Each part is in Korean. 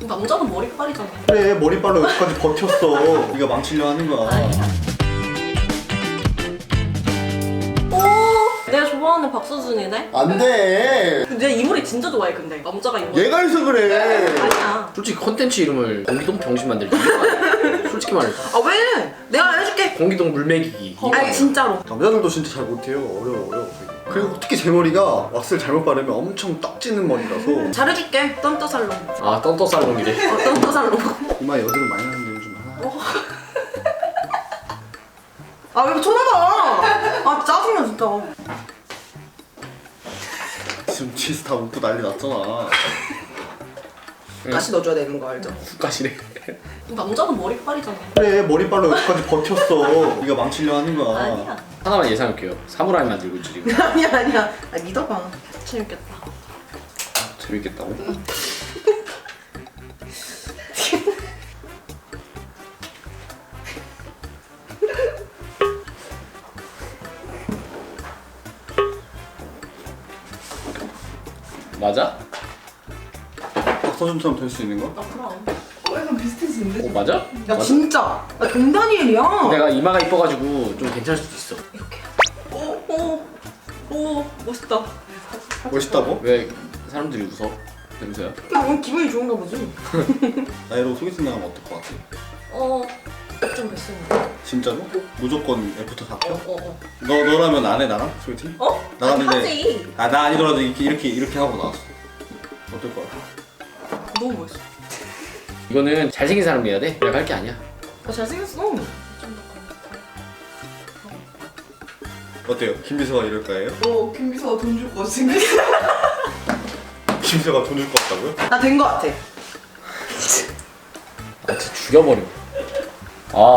남자는 머리빨이잖아. 그래, 머리빨로 여기까지 버텼어. 네가 망치려 하는 거야. 아니야. 내가 좋아하는 박서준이네? 안 돼. 내가 이 머리 진짜 좋아해. 근데 남자가 이 머리 얘가 해서 그래. 아니야. 솔직히 컨텐츠 이름을 공기동 병신 만들기. 솔직히 말해서. 아 왜? 내가 해줄게. 공기동 물매기기. 아니 진짜로. 남자들도 진짜 잘 못해요. 어려워. 그리고 특히 제 머리가 왁스를 잘못 바르면 엄청 떡지는 머리라서 잘해줄게. 떤떠살롱. 아 떤떠살롱이래. 떤떠살롱. 이마 여드름 많이 나는데 요즘 아 왜 쳐다봐? 아 짜증나 진짜. 지금 치스 다 웃고 난리 났잖아. 가시 넣어줘야 되는 거 알죠? 가시래. 남자는 머리빨이잖아. 그래, 머리빨로 여기까지 버텼어. 네가 망치려 하는 거야. 아니야. 하나만 예상할게요. 사무라이 만들고 있지 지금. 아니야. 아 믿어봐. 재밌겠다. 재밌겠다고? 맞아? 박서준처럼 될 수 있는 거? 아 그럼. 약간 비슷해지는데? 맞아? 야 진짜. 나 동다니엘이야. 내가 이마가 이뻐가지고 좀 괜찮을 수도 있어. 이렇게. 오 멋있다. 멋있다고? 왜 사람들이 웃어? 냄새야? 야 오늘 기분이 좋은가 보지. 나 이러고 소개팅 나가면 어떨 것 같아? 좀 됐습니다. 진짜로? 무조건 애프터 다 켜? 너라면 안 해, 나랑? 소개팅? 나갔는데 하지. 나 아니더라도 이렇게 하고 나왔어. 어떨 것 같아? 너무 멋있어. 이거는 잘생긴 사람이 해야 돼? 내가 할 게 아니야. 나 잘생겼어. 어때요? 김비서가 이럴 거예요? 김비서가 돈 줄 거 생겼어. 김비서가 돈 줄 것 같다고요? 나 된 거 같아. 아 진짜 죽여버려. 아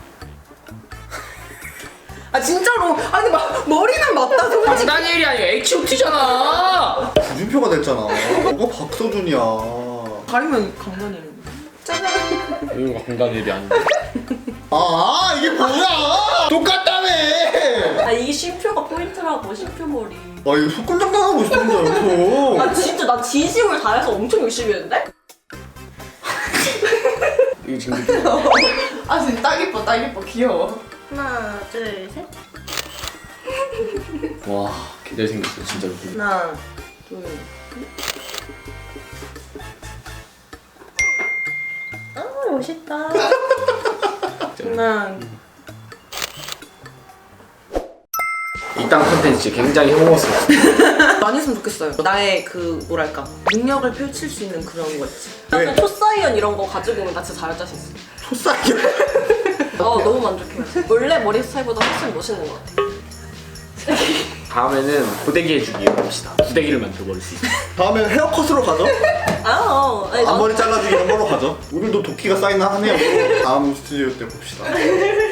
아 진짜로. 아니 막 머리는 맞다 솔직히. 강다니엘이 아니고 H.O.T잖아. 구준표가 됐잖아. 뭐가 박서준이야. 가리면 강다니엘. 짜잔. 이거 강다니엘이 아닌데. 아, 이게 뭐야? 똑같다며! 아 이게 쉼표가 포인트라고. 쉼표 머리. 아, 이거 속금장당하고 있어, 혼자 여기서. 아 진짜 나 진심을 다해서 엄청 열심히 했는데? 이거 지금 아 진짜 딱 예뻐 귀여워. 하나 둘 셋. 와 개잘 생겼어 진짜로. 하나 둘. 아 멋있다. 하나. 이땅 컨텐츠 굉장히 혐오스럽어. 많이 했으면 좋겠어요. 나의 그 뭐랄까 능력을 펼칠 수 있는 그런 거 있지. 왜? 약간 초사이언 이런 거 가지고 오면 나 진짜 잘할 자신 있어. 초싸게. 너무 만족해요. 원래 머리 스타일보다 훨씬 멋있는 것 같아. 다음에는 고데기 해주기 해봅시다. 고데기를 만들어버릴 수 있어. 다음에 헤어컷으로 가죠? 아니, 앞머리 잘라주기 이런 걸로 가죠. 우리도 도끼가 쌓이나 하네요. 다음 스튜디오 때 봅시다.